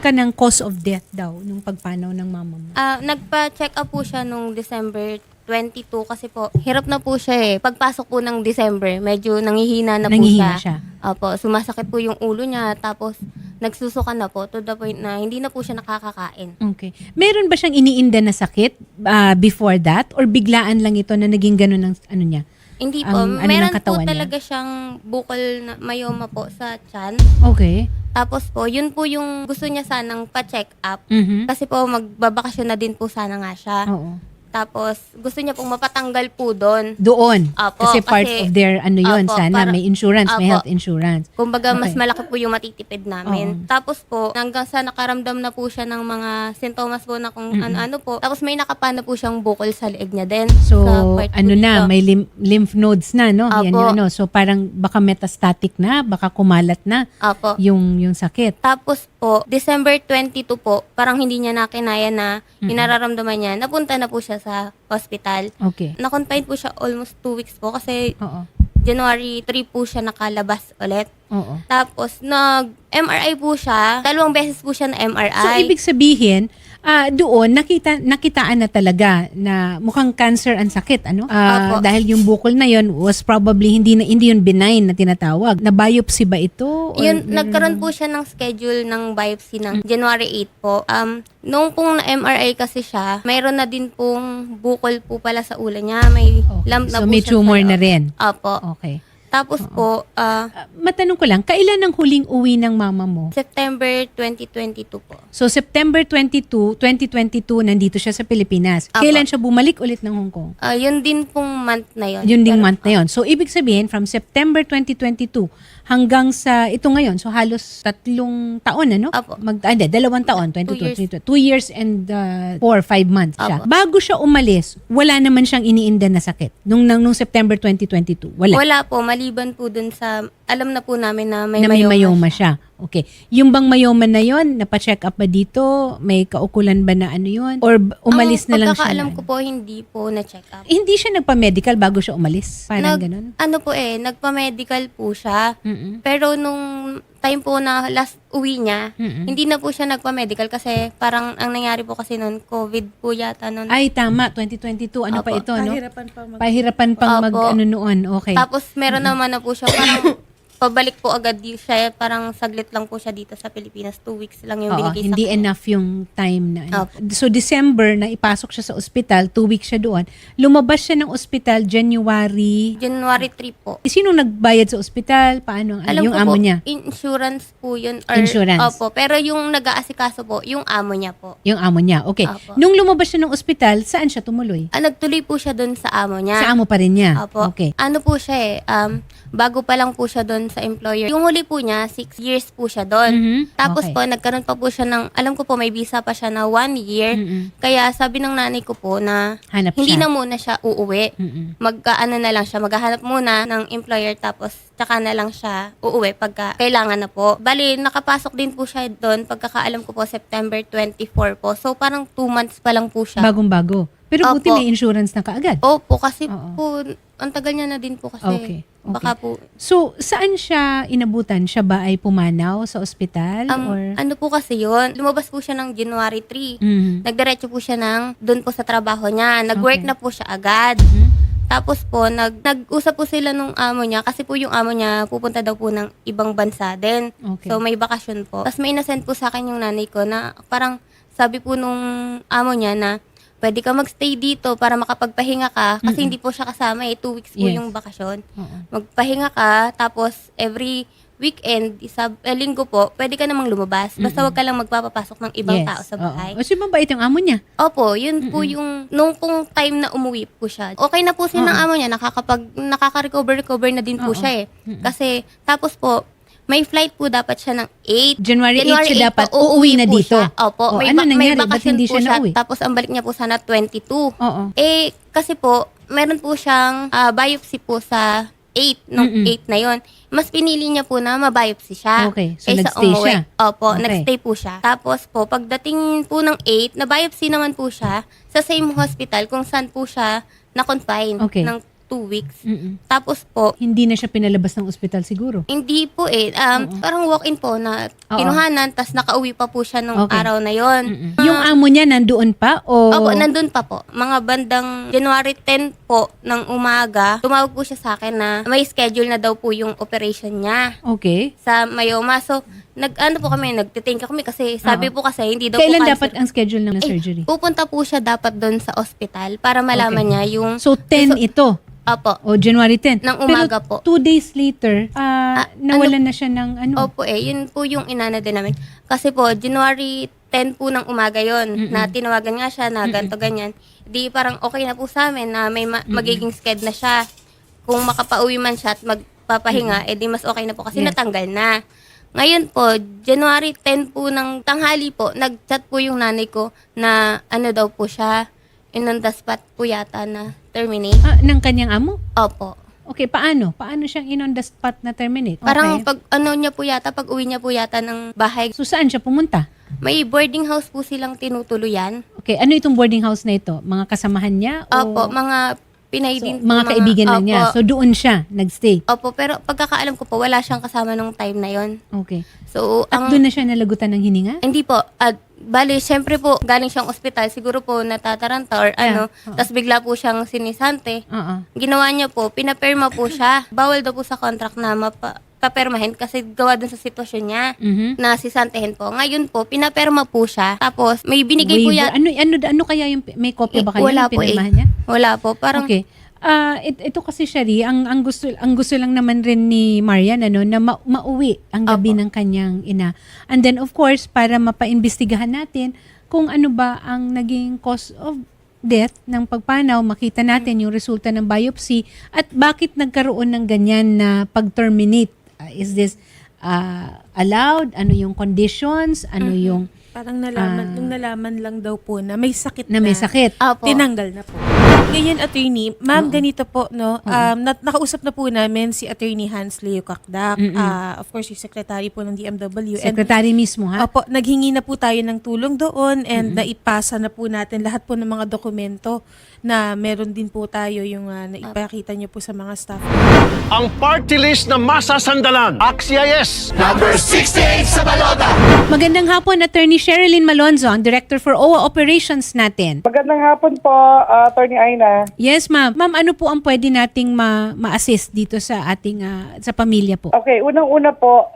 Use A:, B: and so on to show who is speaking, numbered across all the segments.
A: ka ng cause of death daw nung pagpanaw ng mama mo?
B: Nagpa-check up po siya nung December 22 kasi po, hirap na po siya eh. Pagpasok po ng December, medyo nangihina na po
A: Nangihina
B: siya. Opo, sumasakit po yung ulo niya, tapos nagsusuka na po to the point na hindi na po siya nakakakain.
A: Okay. Meron ba siyang iniinda na sakit before that? Or biglaan lang ito na naging ganun ang ano niya?
B: Hindi po,
A: Ang ano ng
B: meron po
A: katawan niya?
B: talaga siyang bukol na myoma po sa tiyan.
A: Okay.
B: Tapos po, yun po yung gusto niya sanang pa-check up.
A: Mhm.
B: Kasi po, magbabakasyon na din po sana nga siya.
A: Oo.
B: Tapos, gusto niya pong mapatanggal po doon.
A: Doon.
B: Apo,
A: kasi part
B: kasi-
A: of their ano yun,
B: Apo,
A: sana may insurance, may
B: Apo.
A: health insurance.
B: Kumbaga, mas
A: Okay.
B: malaki po yung matitipid namin.
A: Oo.
B: Tapos po, hanggang sa nakaramdam na po siya ng mga sintomas po na kung ano-ano po. Tapos may nakapana po siyang bukol sa leeg niya din.
A: So,
B: sa part po
A: ano na,
B: dito.
A: may lymph nodes na, no? Yan
B: Apo.
A: yung ano. So, parang baka metastatic na, baka kumalat na
B: Apo.
A: yung sakit.
B: Tapos po, December 22 po, parang hindi niya nakinaya na yung nararamdaman niya. Napunta na po siya sa hospital.
A: Okay.
B: Na-confine po siya almost 2 weeks po kasi
A: Oo.
B: January 3 po siya nakalabas ulit.
A: Oo.
B: Tapos, nag-MRI po siya. 2 beses po siya na MRI.
A: So, ibig sabihin, doon, nakitaan na talaga na mukhang cancer ang sakit, ano?
B: Opo.
A: Dahil yung bukol na yon was probably hindi yun benign na tinatawag. Na biopsy ba ito? Or
B: Yun, nagkaroon po siya ng schedule ng biopsy ng January 8 po. Nung pong na-MRI kasi siya, mayroon na din pong bukol po pala sa ulo niya. May
A: Okay.
B: lump na
A: So,
B: po
A: may
B: siya
A: tumor
B: sa
A: na
B: loob.
A: rin.
B: Opo.
A: Okay.
B: Tapos po,
A: Matanong ko lang, kailan ang huling uwi ng mama mo?
B: September 2022 po.
A: So, September 2022, nandito siya sa Pilipinas.
B: Apo.
A: Kailan siya bumalik ulit ng Hong Kong?
B: Yun din pong month na yun.
A: Yun ding
B: Pero,
A: month na yun. So, ibig sabihin, from September 2022 hanggang sa ito ngayon, so halos 3 taon, ano?
B: Apo.
A: 2 taon, 22, 2 years and 4 or 5 months siya.
B: Apo.
A: Bago siya umalis, wala naman siyang iniinda na sakit. Nung September 2022, wala.
B: Wala po, maliban po dun sa, alam na po namin na may
A: na may myoma
B: myoma
A: siya. Okay. Yung bang myoma na yon, napacheck up ba dito? May kaukulan ba na ano yon? Or umalis na lang siya?
B: Pagkakaalam
A: na
B: ko
A: ano?
B: po, hindi po na-check up.
A: Hindi siya nagpa-medical bago siya umalis? Parang ganun?
B: Ano po nagpa-medical po siya.
A: Mm-mm.
B: Pero nung time po na last uwi niya,
A: Mm-mm.
B: hindi na po siya nagpa-medical kasi parang ang nangyari po kasi noon, COVID po yata noon.
A: Ay, tama. 2022. Ano pa
B: Opo.
A: ito, no?
C: Pahirapan pa
A: Pahirapan pang
B: Opo.
A: ano noon. Okay.
B: Tapos meron naman na po siya parang pabalik po agad siya. Parang saglit lang po siya dito sa Pilipinas. 2 weeks lang yung
A: Oo,
B: binigay sa
A: hindi
B: kanya.
A: enough yung time na ano.
B: Opo.
A: So, December na ipasok siya sa ospital, 2 weeks siya doon. Lumabas siya ng ospital January.
B: January 3 po.
A: Sino nagbayad sa ospital? Paano?
B: Alam
A: Yung
B: ko
A: amo
B: po,
A: niya?
B: insurance po yun. Or,
A: Insurance.
B: Opo, pero yung nag-aasikaso po, yung amo niya po.
A: Yung amo niya. Okay.
B: Opo.
A: Nung lumabas siya ng ospital, saan siya tumuloy?
B: Nagtuloy po siya doon sa amo niya.
A: Sa amo pa rin niya.
B: Opo.
A: Okay.
B: Ano po siya bago pa lang po siya doon sa employer. Yung huli po niya, 6 years po siya doon.
A: Mhm.
B: Tapos
A: Okay.
B: po, nagkaroon pa po siya ng, alam ko po, may visa pa siya na 1 year.
A: Mm-mm.
B: Kaya sabi ng nanay ko po na
A: Hanap
B: hindi
A: siya.
B: na muna siya uuwi.
A: Mm-mm.
B: Mag-ano na lang siya, maghahanap muna ng employer tapos tsaka na lang siya uuwi pagka kailangan na po. Bali, nakapasok din po siya doon pagkakaalam ko po September 24 po. So parang 2 months pa lang po siya.
A: Bagong-bago. Pero buti
B: Opo.
A: may insurance na kaagad.
B: Opo, kasi
A: Oo.
B: po, ang tagal niya na din po kasi.
A: Okay.
B: Baka po,
A: So, saan siya inabutan? Siya ba ay pumanaw sa ospital? or?
B: ano po kasi yun, lumabas po siya ng January 3.
A: Mhm.
B: Nagdiretso po siya doon po sa trabaho niya. Nag-work
A: Okay.
B: na po siya agad.
A: Mhm.
B: Tapos po, nag-usap po sila nung amo niya kasi po yung amo niya pupunta daw po ng ibang bansa din.
A: Okay.
B: So may bakasyon po. Tapos may nasend po sa akin yung nanay ko na parang sabi po nung amo niya na pwede ka magstay dito para makapagpahinga ka kasi hindi po siya kasama 2 weeks po
A: Yes.
B: yung bakasyon.
A: Oo.
B: Magpahinga ka tapos every weekend, linggo po, pwede ka namang lumabas. Basta wag ka lang magpapapasok ng ibang tao sa bahay.
A: Oo. Kasi mabait yung amo niya.
B: Opo, yun po yung, nung pong time na umuwi po siya. Okay na po siya ng amo niya, nakaka-recover na din po
A: Oo.
B: siya Kasi, tapos po, may flight po dapat siya ng 8.
A: January 8 siya dapat
B: po,
A: uuwi na
B: po
A: dito.
B: siya. Opo,
A: Oh,
B: may,
A: ano
B: may
A: nangyari? Ba't
B: bakasyon
A: hindi
B: po
A: siya
B: siya.
A: nauwi?
B: Tapos ang balik niya po sana 22.
A: Oo.
B: Kasi po, meron po siyang biopsy po sa 8, nung 8 na yon. Mas pinili niya po na mabiopsy siya.
A: Okay, so
B: kaysa
A: nagstay
B: umuwi.
A: siya.
B: Opo,
A: Okay.
B: nagstay po siya. Tapos po, pagdating po ng 8, na biopsy naman po siya sa same hospital kung saan po siya na-confine
A: Okay.
B: ng 2 weeks.
A: Mm-mm.
B: Tapos po,
A: Hindi na siya pinalabas ng ospital siguro.
B: hindi po parang walk-in po na
A: Oo.
B: kinuhanan, tas nakauwi pa po siya nung
A: Okay.
B: araw na yon.
A: Yung amo niya nandoon pa o
B: Opo, nandun pa po. Mga bandang January 10 po ng umaga, tumawag po siya sa akin na may schedule na daw po yung operation niya
A: Okay.
B: sa Mayoma. So, nagtitinka kami kasi sabi po kasi hindi daw
A: Kailan
B: po
A: dapat ang schedule ng surgery?
B: Pupunta po siya dapat doon sa ospital para malaman
A: Okay.
B: niya yung...
A: So 10 ito
B: Opo.
A: o January 10.
B: Ng umaga
A: Pero
B: po.
A: 2 days later, nawalan na siya ng ano.
B: Opo yun po yung inana din namin. Kasi po, January 10 po ng umaga yon na tinawagan nga siya na ganto ganyan. Di parang okay na po sa amin na may magiging sked na siya. Kung makapauwi man siya at magpapahinga, di mas okay na po kasi
A: Yes.
B: natanggal na. Ngayon po, January 10 po ng tanghali po, nag-chat po yung nanay ko na ano daw po siya, on the spot po yata na terminate.
A: Ng kanyang amo?
B: Opo.
A: Okay, paano? Paano siyang in on the spot na terminate?
B: Parang
A: Okay.
B: pag uwi niya po yata ng bahay,
A: So saan siya pumunta?
B: may boarding house po silang tinutuluyan.
A: Okay, ano itong boarding house na ito? Mga kasamahan niya? O
B: Opo, mga Pinay
A: so,
B: din po,
A: mga kaibigan na
B: opo.
A: niya. So doon siya nagstay.
B: Opo, pero pagkakaalam ko po, wala siyang kasama nung time na yon.
A: Okay.
B: So,
A: At doon na siya nalagutan ng hininga?
B: Hindi po. Bali, syempre po, galing siyang ospital, siguro po natataranta or ano, tas bigla po siyang sinisante.
A: Oo.
B: Ginawa niya po, pinaperma po siya. Bawal daw po sa contract na papermahin kasi gawa dun sa sitwasyon niya
A: Mhm.
B: na sisantehin po. Ngayon po, pinaperma po siya. Tapos, may binigay po
A: Waiver.
B: yan.
A: Ano kaya yung may kopya ba kayo
B: Wala
A: ng
B: po
A: pinirmahan niya?
B: Wala po. Parang,
A: Okay. Ito kasi Shari, ang gusto lang naman rin ni Marian na mauwi ang gabi ng kanyang ina. And then of course, para mapaimbestigahan natin kung ano ba ang naging cause of death ng pagpanaw, makita natin yung resulta ng biopsy at bakit nagkaroon ng ganyan na pag-terminate. Is this allowed? Ano yung conditions? Ano yung
C: Parang nung nalaman lang daw po na may sakit
A: na may sakit?
B: Opo.
C: tinanggal na po. Ngayon, attorney, ma'am, ganito po, no? Nakausap na po namin si attorney Hans Leo Kakdak. Of course, yung secretary po ng DMW.
A: Secretary mismo, ha?
C: Opo, naghingi na po tayo ng tulong doon and naipasa na po natin lahat po ng mga dokumento na meron din po tayo yung naipakita niyo po sa mga staff.
D: Ang party list na masasandalan. AXIS!
A: Magandang hapon, Attorney Sherilyn Malonzo, ang Director for OWA Operations natin.
E: Magandang hapon po, Attorney Aina.
A: Yes, ma'am. Ma'am, ano po ang pwede nating ma-assist dito sa ating sa pamilya po?
E: Okay, unang-una po,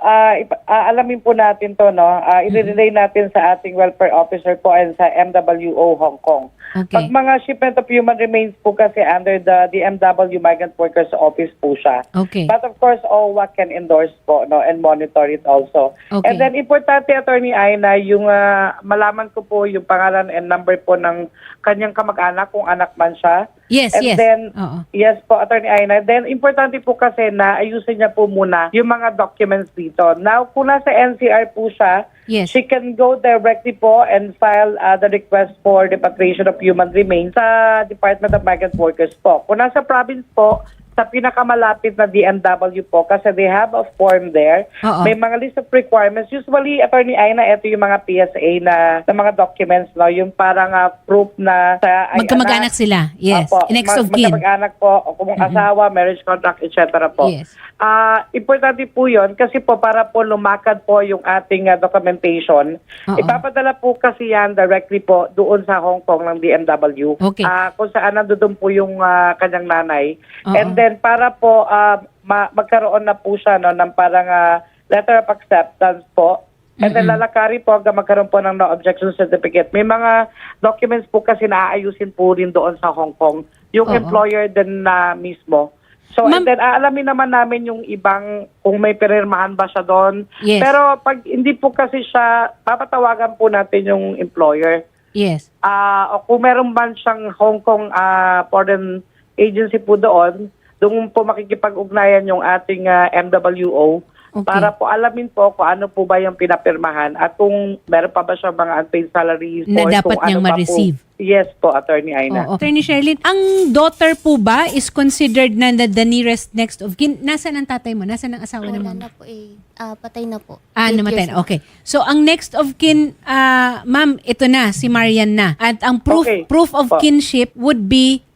E: alamin po natin to, no? I-relay natin sa ating welfare officer po and sa MWO Hong Kong.
A: Okay.
E: Pag mga shipment of human remains po kasi under the DMW Migrant Workers Office po siya.
A: Okay.
E: But of course, OWA can endorse po, no, and monitor it also.
A: Okay.
E: And then, importante, Attorney Aina, yung malaman ko po yung pangalan and number po ng kanyang kamag-anak, kung anak man siya.
A: Yes,
E: And
A: yes.
E: then,
A: Oo.
E: yes po, Attorney Aina. Then, importante po kasi na ayusin niya po muna yung mga documents dito. Now, kung nasa NCR po siya,
A: Yes.
E: she can go directly po and file the request for repatriation of human remains sa Department of Migrant Workers po. Kung nasa province po, sa pinakamalapit na DMW po kasi they have a form there.
A: Oo.
E: May mga list of requirements. Usually, Attorney Aina, ito yung mga PSA na mga documents, no? Yung parang proof na sa
A: Magkamag-anak sila. Yes.
E: Opo,
A: Next of kin.
E: magkamag-anak po, o kung asawa, marriage contract, etc. po.
A: Yes.
E: Importante po yun kasi po para po lumakad po yung ating documentation.
A: Oo.
E: Ipapadala po kasi yan directly po doon sa Hong Kong ng DMW.
A: Okay.
E: Kung saan nandoon po yung kanyang nanay.
A: Oo.
E: And then para po magkaroon na po siya no, ng parang letter of acceptance po. And then lalakari po hanggang magkaroon po ng no objection certificate. May mga documents po kasi naaayusin po rin doon sa Hong Kong. Yung
A: Oo.
E: employer din na mismo. So,
A: Ma'am-
E: and then aalamin naman namin yung ibang kung may pinirmahan ba siya doon.
A: Yes.
E: Pero pag hindi po kasi siya, papatawagan po natin yung employer.
A: Yes.
E: O kung meron man siyang Hong Kong foreign agency po doon po makikipag-ugnayan yung ating MWO.
A: Okay.
E: Para po alamin po kung ano po ba yung pinapirmahan at kung meron pa ba siya mga unpaid salaries
A: Na
E: or
A: dapat
E: kung
A: niyang
E: ano pa
A: ma-receive.
E: Po. Yes po, Attorney Aina.
A: Oo. Attorney Sherilyn, ang daughter po ba is considered na the nearest next of kin? Nasaan ang tatay mo? Nasaan ang asawa ng
B: wala
A: mama?
B: na po patay na po.
A: Namatay
B: 8 years
A: na. Okay. So, ang next of kin, ma'am, ito na, si Marian na. At ang proof
E: Okay.
A: proof of
E: Po.
A: kinship would be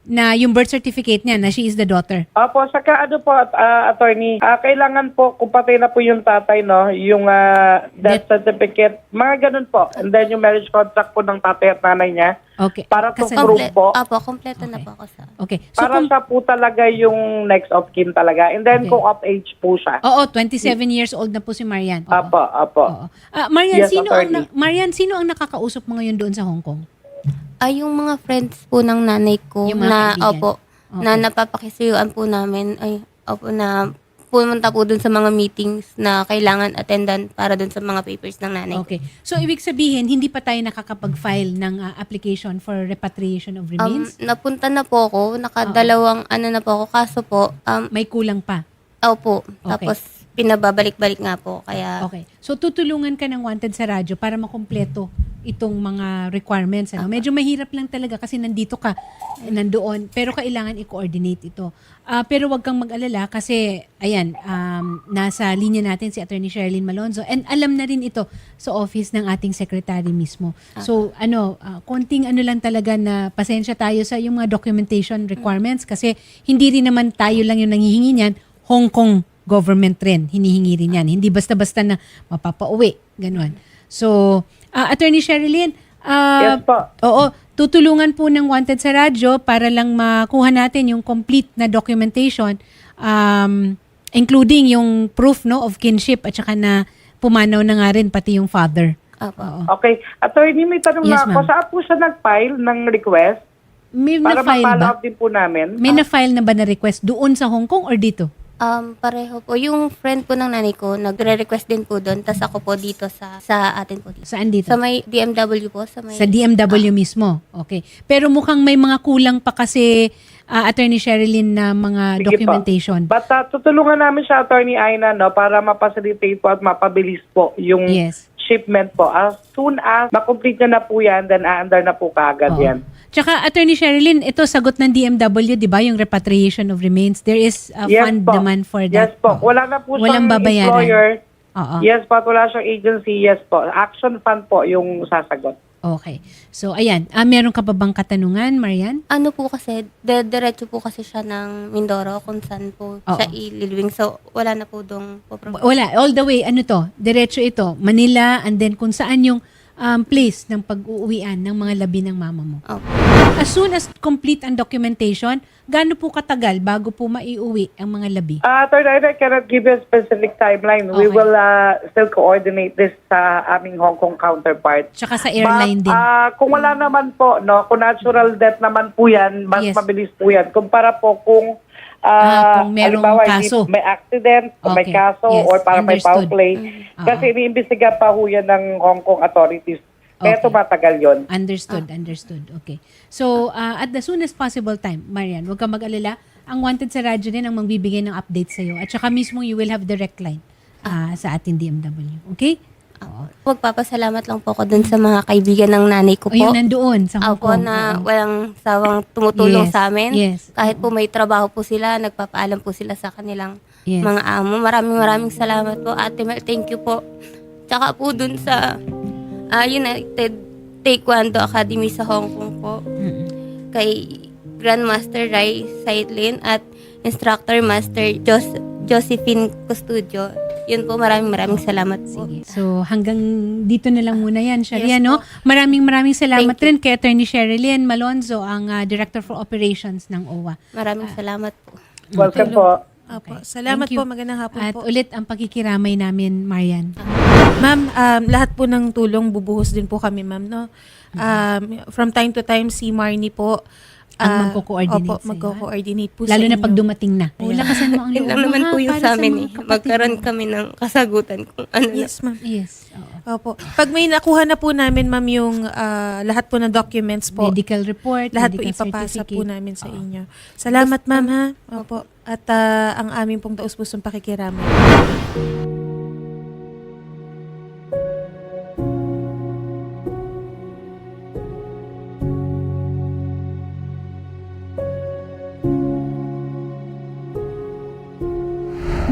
A: na yung birth certificate niya na she is the daughter.
E: Opo, saka ano po, attorney, kailangan po, kung patay na po yung tatay, no, yung death certificate, mga ganun po. And then yung marriage contract po ng tatay at nanay niya,
A: Okay.
E: para to
A: Kasal-
E: prove po.
B: Opo, kompleto na
A: Okay.
B: po ako sa...
A: Okay. So
E: Para
A: kung,
E: siya po talaga yung next of kin talaga. And then
A: Okay.
E: kung of age po siya.
A: oo, 27 years old na po si Marian. Oo.
E: Opo.
A: Oo. Marian,
E: Yes, attorney.
A: Marian, sino ang nakakausap mo ngayon doon sa Hong Kong?
B: Ay, yung mga friends po ng nanay ko
A: Yung mga
B: na,
A: kaibigan.
B: opo, na napapakisuyuan po namin, ay, opo, na pumunta po dun sa mga meetings na kailangan attendan para dun sa mga papers ng nanay ko.
A: Okay. So, ibig sabihin, hindi pa tayo nakakapag-file ng application for repatriation of remains?
B: Napunta na po ako, nakadalawang ano na po ako, kaso po,
A: May kulang pa.
B: opo,
A: Okay.
B: tapos pinababalik-balik nga po, kaya...
A: Okay. So, tutulungan ka ng Wanted sa radyo para makumpleto itong mga requirements. Ano? Medyo mahirap lang talaga kasi nandito ka, nandoon, pero kailangan i-coordinate ito. Pero wag kang mag-alala kasi, ayan, nasa linya natin si Attorney Sherilyn Malonzo and alam na rin ito sa office ng ating secretary mismo. So, konting ano lang talaga na pasensya tayo sa yung mga documentation requirements kasi hindi rin naman tayo lang yung nangihingi niyan, Hong Kong government rin, hinihingi rin yan. Hindi basta-basta na mapapauwi. Ganon. So, Attorney Sherilyn,
E: Yes po.
A: oo, tutulungan po ng Wanted sa radyo para lang makuha natin yung complete na documentation, including yung proof no of kinship at saka na pumanaw na nga rin pati yung father.
B: Opo.
A: Oo.
E: Okay. Attorney, may tanong
A: Yes,
E: na ako.
A: ma'am.
E: Saan po siya nag-file ng request?
A: May
E: Para
A: na-file
E: ma-follow
A: ba?
E: up din po namin.
A: May na-file na ba na request doon sa Hong Kong or dito?
B: Pareho po. Yung friend po ng nanay ko, nagre-request din po doon. Tapos ako po dito sa atin po dito.
A: Saan dito?
B: Sa may DMW po. Sa may...
A: Sa DMW mismo. Okay. Pero mukhang may mga kulang pa kasi Attorney Sherilyn na mga
E: Sige po.
A: documentation.
E: But tutulungan namin siya, Attorney Aina, no, para mapacilitate po at mapabilis po yung
A: Yes.
E: shipment po. As soon as makomplete na po yan, then aandar na po kaagad
A: Oo.
E: yan.
A: Tsaka, Attorney Sherilyn, ito sagot ng DMW, di ba, yung repatriation of remains. There is a fund
E: po.
A: naman for
E: Yes
A: that.
E: po.
A: Oo.
E: Wala na po
A: Walang
E: siyang
A: babayaran.
E: employer.
A: Oo.
E: Yes po. At wala siyang agency. Yes po. Action fund po yung sasagot.
A: Okay. So, ayan. Meron ka pa bang katanungan, Marian?
B: Ano po kasi, diretso po kasi siya ng Mindoro kung saan po
A: Oo.
B: siya ililibing. So, wala na po doon po problem.
A: Wala. All the way, ano to? Diretso ito. Manila, and then kung saan yung place ng pag-uuwian ng mga labi ng mama mo.
B: Opo.
A: As soon as complete ang documentation, gaano po katagal bago po maiuwi ang mga labi?
E: Attorney Aina, I cannot give you a specific timeline. We
A: Okay.
E: will still coordinate this sa aming Hong Kong counterpart.
A: Tsaka sa airline din.
E: Kung wala naman po, no, kung natural death naman po yan, mas
A: Yes.
E: mabilis po yan. Kumpara po kung
A: Kung merong
E: halimbawa,
A: kaso.
E: may accident, kung may
A: Okay.
E: kaso,
A: Yes.
E: or para may foul
A: Understood.
E: play.
A: Ah.
E: Kasi iniimbestiga pa ho yan ng Hong Kong authorities. Kaya
A: Okay.
E: tumatagal yun.
A: Understood. Okay. So, at the soonest possible time, Marian, huwag kang mag-alala. Ang Wanted sa radyo din ang magbibigay ng update sa'yo. At saka mismo you will have direct line sa ating DMW. Okay? Oo.
B: Magpapasalamat lang po ako dun sa mga kaibigan ng nanay ko
A: O yung
B: po.
A: nandoon sa Hong
B: Ako
A: Kong.
B: na
A: Oo.
B: walang sawang tumutulong
A: Yes,
B: sa amin.
A: yes.
B: Kahit po may trabaho po sila, nagpapaalam po sila sa kanilang
A: Yes.
B: mga amo. Maraming salamat po, Ate Mel. Thank you po. Tsaka po dun sa United Taekwondo Academy sa Hong Kong po.
A: Mm-mm.
B: Kay Grandmaster Rai Saitlin at Instructor Master Josephine Custodio. Yun po, maraming salamat po.
A: Sige. So, hanggang dito na lang muna yan, Sharia,
B: Yes
A: no?
B: po.
A: Maraming salamat
B: Thank you.
A: rin kay Attorney Sherilyn Malonzo, ang Director for Operations ng OWA.
B: Maraming salamat po.
E: Welcome po.
C: Opo.
A: Okay.
C: Salamat
A: Thank you.
C: po. Magandang hapon
A: At
C: po.
A: ulit ang pagkikiramay namin, Marian.
C: Ma'am, lahat po ng tulong bubuhos din po kami, ma'am, no? From time to time, si Marnie po,
A: Ang magko-coordinate
C: opo,
A: sa'yo,
C: magko-coordinate po
A: Lalo
C: sa
A: na
C: inyo.
A: pag dumating na. O, lakasan mo ang
B: Yun
A: loob
B: lang
A: mo,
B: naman
A: ha,
B: po yung
A: para
B: sa amin
A: mga
B: eh.
A: kapatid
B: Magkaroon
A: mo.
B: kami ng kasagutan kung ano na.
C: Yes, ma'am.
A: Yes. Oo.
C: Opo. Pag may nakuha na po namin, ma'am, yung lahat po ng documents po,
A: Medical report,
C: lahat po
A: medical
C: ipapasa po
A: certificate.
C: namin sa inyo. Salamat, ma'am, ha? Opo. At ang aming pong taus-pusong pakikiramay.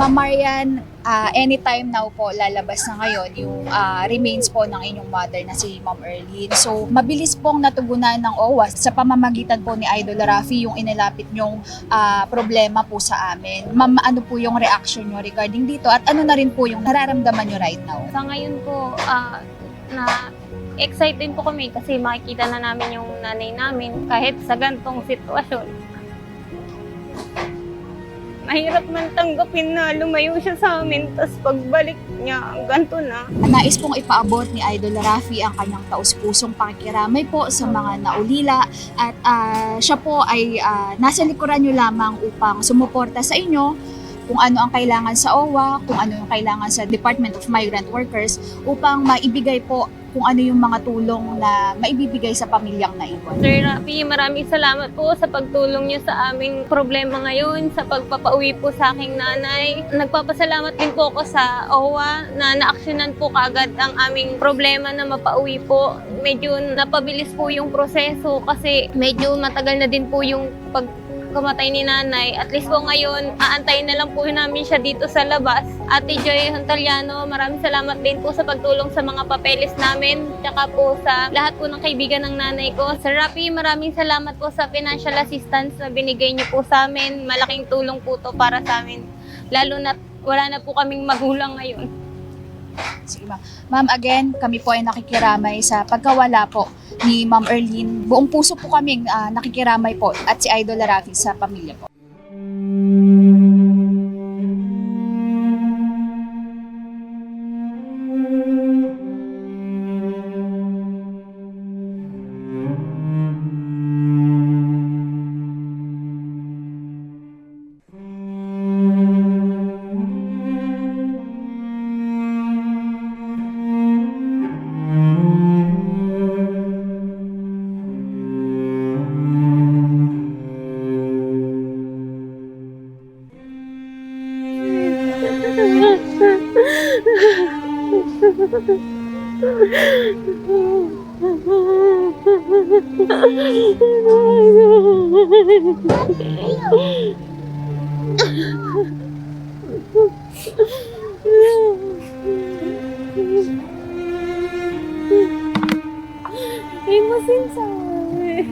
F: Ma'am Marian, anytime now po lalabas na ngayon yung remains po ng inyong mother na si Ma'am Erlyn. So, mabilis pong natugunan ng OWA sa pamamagitan po ni Idol Rafi yung inilapit nyong problema po sa amin. Ma'am, ano po yung reaction nyo regarding dito at ano na rin po yung nararamdaman nyo right now?
G: Sa ngayon po, excited po kami kasi makikita na namin yung nanay namin kahit sa gantong sitwasyon. Mahirap man tanggapin na lumayo siya sa amin, tapos pagbalik niya, ganito na.
F: Nais pong ipaabot ni Idol Rafi ang kanyang taus-pusong pakikiramay po sa mga naulila at siya po ay nasa likuran nyo lamang upang sumuporta sa inyo kung ano ang kailangan sa OWA, kung ano yung kailangan sa Department of Migrant Workers upang maibigay po kung ano yung mga tulong na maibibigay sa pamilyang naiwan.
G: Sir Rafi, maraming salamat po sa pagtulong niyo sa aming problema ngayon, sa pagpapauwi po sa aking nanay. Nagpapasalamat din po ako sa OWA na naaksyonan po kaagad ang aming problema na mapauwi po. Medyo napabilis po yung proseso kasi medyo matagal na din po yung pagkamatay ni nanay. At least po ngayon, aantayin na lang po namin siya dito sa labas. Ate Joy Hontaliano, maraming salamat din po sa pagtulong sa mga papeles namin, tsaka po sa lahat po ng kaibigan ng nanay ko. Sir Rafi, maraming salamat po sa financial assistance na binigay niyo po sa amin. Malaking tulong po to para sa amin. Lalo na wala na po kaming magulang ngayon.
F: Sige ma'am. Ma'am, again, kami po ay nakikiramay sa pagkawala po ni Ma'am Erlyn. Buong puso po kaming nakikiramay po at si Idol Rafi sa pamilya po.
G: Imasin sa amin.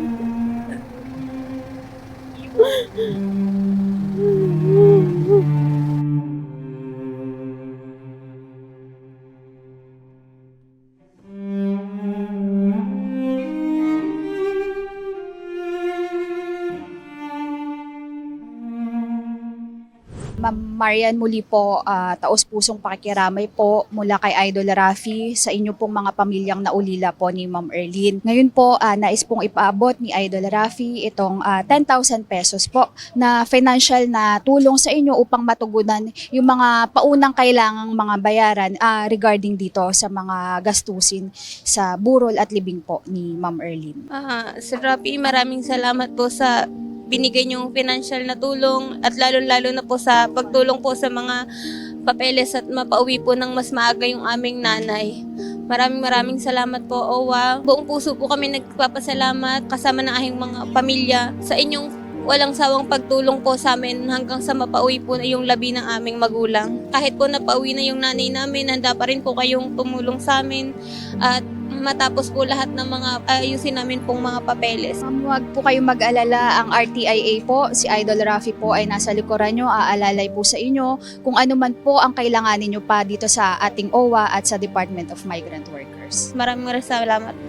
F: Ma'am Marian, muli po, taos-pusong pakikiramay po mula kay Idol Rafi sa inyo pong mga pamilyang naulila po ni Ma'am Erlyn. Ngayon po, nais pong ipaabot ni Idol Rafi itong 10,000 pesos po na financial na tulong sa inyo upang matugunan yung mga paunang kailangang mga bayaran regarding dito sa mga gastusin sa burol at libing po ni Ma'am Erlyn.
B: Sir Rafi, maraming salamat po sa binigay niyong financial na tulong at lalo-lalo na po sa pagtulong po sa mga papeles at mapauwi po ng mas maaga yung aming nanay. Maraming salamat po, OWA. Buong puso po kami nagpapasalamat kasama ng aking mga pamilya sa inyong walang sawang pagtulong po sa amin hanggang sa mapauwi po na yung labi ng aming magulang. Kahit po napauwi na yung nanay namin, handa pa rin po kayong tumulong sa amin at matapos po lahat ng mga ayusin namin pong mga papeles.
F: Ma'am, huwag po kayong mag-alala. Ang RTIA po, si Idol Rafi po ay nasa likuran nyo, aalalay po sa inyo kung ano man po ang kailanganin nyo pa dito sa ating OWA at sa Department of Migrant Workers.
B: Maraming salamat.